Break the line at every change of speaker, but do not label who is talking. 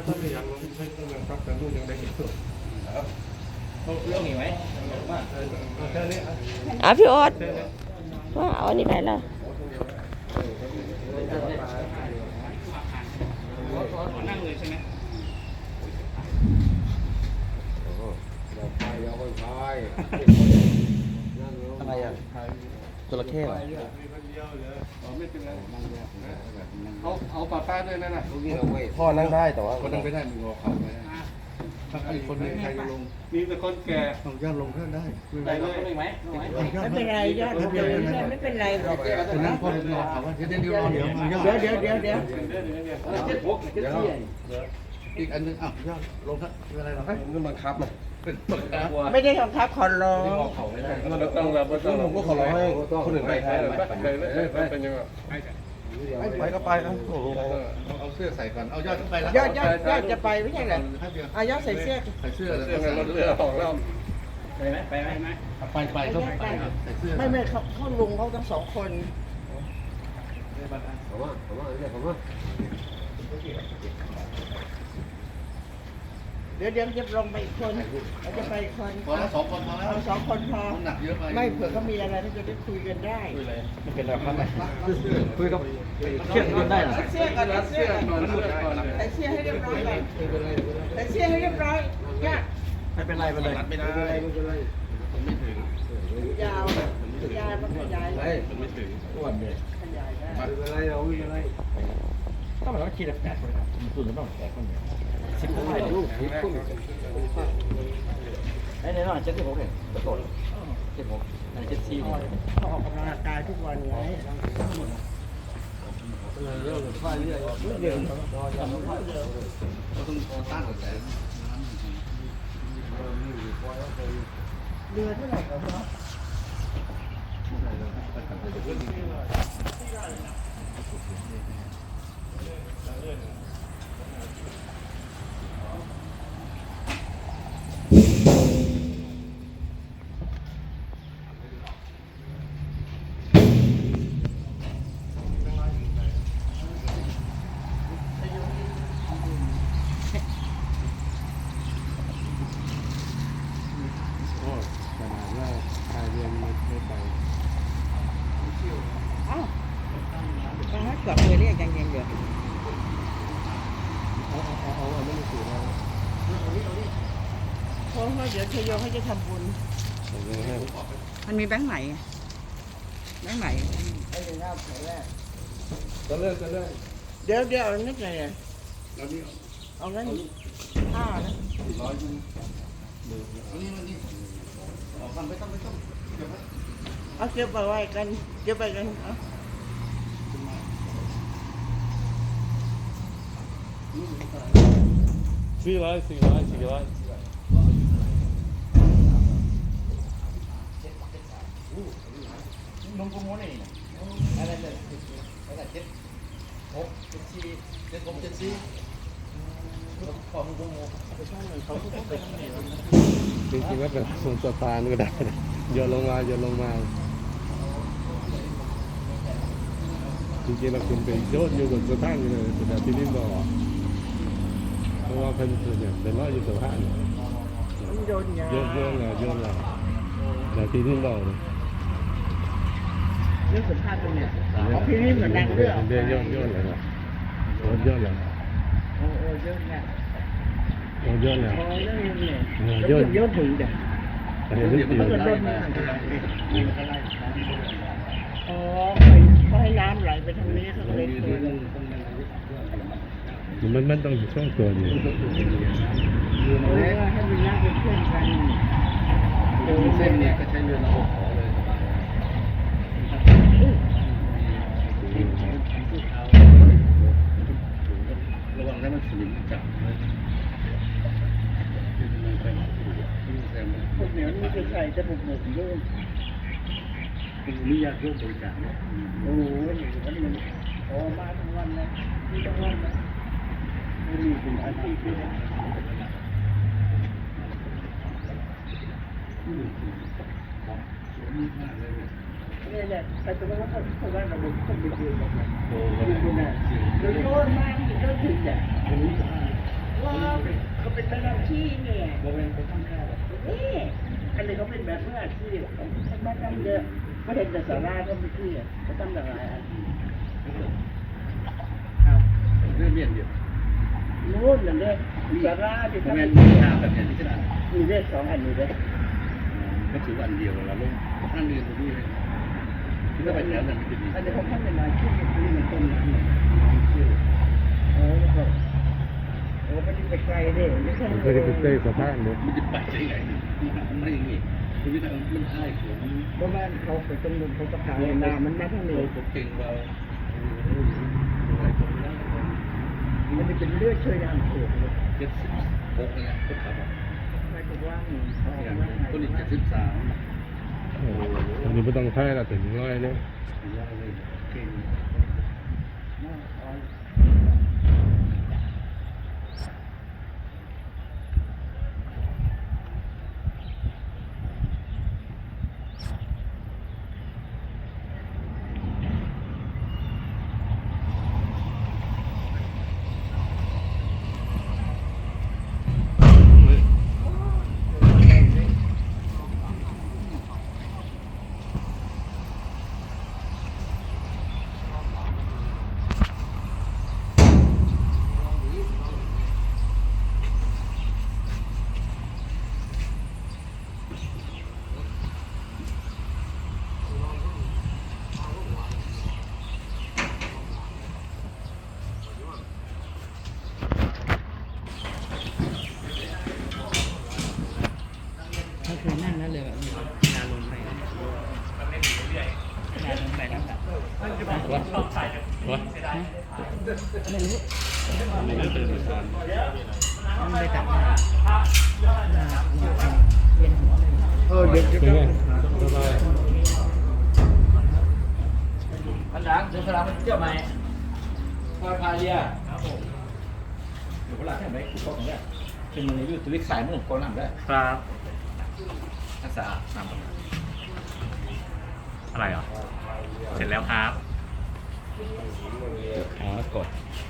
ถ้าไม่ยังไม่ใช่ต้องยังครับแต่ลูกยังได้อีกตัวครับเรื่องนี้ไหมแค่นี้
พี่โอ๊ตว่าเอาอันนี้ไปละ
นั่งเลยใช่ไหม
อะไรอ่ะจระเข้เหรอ
เอาป้าป้าด้วยนั่นน่ะ
พ่อนั่งได้แต่ว่า
คนนั่งไม่ได้มีงอเข่าไหมถ้าคนหนึ่งใครจะลงมีแต่คนแก่ต้องย่าลงขึ้นได้
ได้เลยไหม
ไม่เป็นไรยอดไม่เป็นไรหรอก
คนนั้นคนงอเข่าเดี๋ยวเดี๋ยวอีกอันนึงอ้าวย่าลงครับเป็นอะไรหรอมันบังคับนะ
ไม่ได้บังคับขอร้อง
มันต้องแบบผมก็ขอร้องให้คนอื่นไปเป็นยังไง
ไปก็ไปครับ
เอาเสื้อใส่ก่อนเอายอดไปแล้ว
ยอดจะไปไม่ใช่เหรอยอดใส่เสื้อ
ของเรา
ไปไหม
ไปก็ไปใส่เสื้อ
ไม่เขาลุงเขาทั้งสองคนเดี๋ยวจะลงไปอีกคนจะไปอีกคน
พอแล้ว2 คนพอแล้ว
2 คนพอ
หนักเยอะไป
ไม่เผื่อเขามีอะไรที่จะได้คุยกันได้
ไม่เป็นไรครับคุยกับเชื่อกันได้หรอ
เสื้อก่อนเสื้อใส่เสื้อให้เรียบร้อยก่อนใส่เสื้อให้เรียบร้อยยาก
ไม่เป็นไรไม่เป็นไร
ไม่ได้มันไม่ถึง
ยาวมันขยายได้
มันไม่ถึง
อ้วนเลย
ขยายได้
ไม่เป็นไรเราวิ่งอะไรต้องแบบว่าคิดแบบ8 คนครับส่วนก็ต้อง8 คนเนี่ย10 คนเลยลูก10 คนไอ้เนี่ยน้อง76เนี่ยตะโกน76อันนี้74
เขาออกกำลังกายทุกวันไง
เรื่องค่อยเรื่อยเดี๋ยว
ต้องต้านกระแส
เรือเท่าไหร่ครับ กลับเลยเรียกยังเดี๋ยวเพราะว่าเดี๋ยวชโยเขาจะทำบุญมันมีแบงค์ไหนเดี๋ยวเอานิดหน่อยเอานั้น5นะเอาเก็บไปไว้กันเอา
400
นมกุ้งม้วนนี่อะไรเนี่ยอะไร7 6 7 4 7 6 7 4ของกุ้งม้วน
จริงๆก็แบบส่วนสตาร์ก็ได้โยนลงมาจริงๆเราคุณไปโยนอยู่บนสะพานเลยแต่ที่นี่บอกเพราะว่าเพิ่นเนี่ยเป็นร้อยอยู่สะพานโยนเลยแต่ที่นี่บอกเลย
เรื่องสัมภาษณ์ตรงเนี้ยพี่นี่เหมือนดังเรื่อง
โยนเลยนะโยนเลย
โอ้เยอะเนี่ย
โยนเลย
โยนถึงเดี๋ยวมันก็ล้นอ๋อเขาให้น้ำไหลไปทางนี้เขาเลย
มันต้องช่วงตัวอยู่
ให้มีน้ำเป็นเพื่อนกัน
เส้นเนี่ยก็ใช้เรือระบบขอเลยระวังให้มันสลิมจับ
พวกเหนียวนี่จะใส่จะบุกด้วย
นี่ยากร่วมบริการเนี่ย
โอ้โหวันนี้โอ้มาทั้งวันเลยนี่ทั้งวันเลยมีถึงอาทิตย์เลยนี่แหละแต่ตอนนั้นเขาว่าระบบต้องไปดูแบบนั้นดูนะโดยโยนมากโยนถึงเนี่ยว่าที่เนี่ย
โมเป็นไปทำแค่
นี่อันนี้เขาเป็นแบบมืออาชีพทำบ้านทำเยอะไม่เห็นแต่สาราก็ไม่ที่เขาทำหลายอันครับ
เรื่องเรียนเดียว
นู้นนั่นเด้สาราที่
โม
ทำ
เป็นทางแบบนี้ที่ไหน
มีเลขสองอันนี้เด้
ก็ถืออันเดียวเราลงข้างเรียนตรงนี้ที่ถ้าไปแถวนั้นมันจะดี
อันนี้เขาทำเป็นลายชื่อนี่มันต้นนั้นโอ้โหโอ้ไม่ได้ไปไกลเด้ไม่ใช่
มันเคยได้ไปเต้สะพานเนาะ
มันจะไปได้ไงมันไม่อย่างนี้คือวิธีมันอ้ายเขียน
เพราะว่าเขาไปตรงนู้นเขาจะขายนามันมาทั้งนี้
เก่งเรา
มันจะเป็นเลือดช่วยน้ำเสียเลย
76เนี่ยก็ขับ
หมายถึงว่าเขา
อย่าง
ว่า
ต้นนี้73
โอ้อันนี้ไม่ต้องใช้ละถึงร้อยเนี่ย
ยากเลยเก่ง
เขาเคยนั่งนั่นเลยแบบนาลงไปนาลงไปแล้วแบบไม่รู้
นี่ก็ตื่นมาทาน
มันไปตัดเย็นหัวเลยเด็ก
เป็นไงสบาย
อันดังเดี๋ยวสลามมันเที่ยวไหมพาเรียครับผมเดี๋ยวเวลาแค่ไหนกูก็ตรงนี้เป็นมันอยู่ตัววิกสายมุ่งก้นหลังได้ครับรักษาหนำ
อะไรอ่ะ เสร็จแล้วครับ
ขากด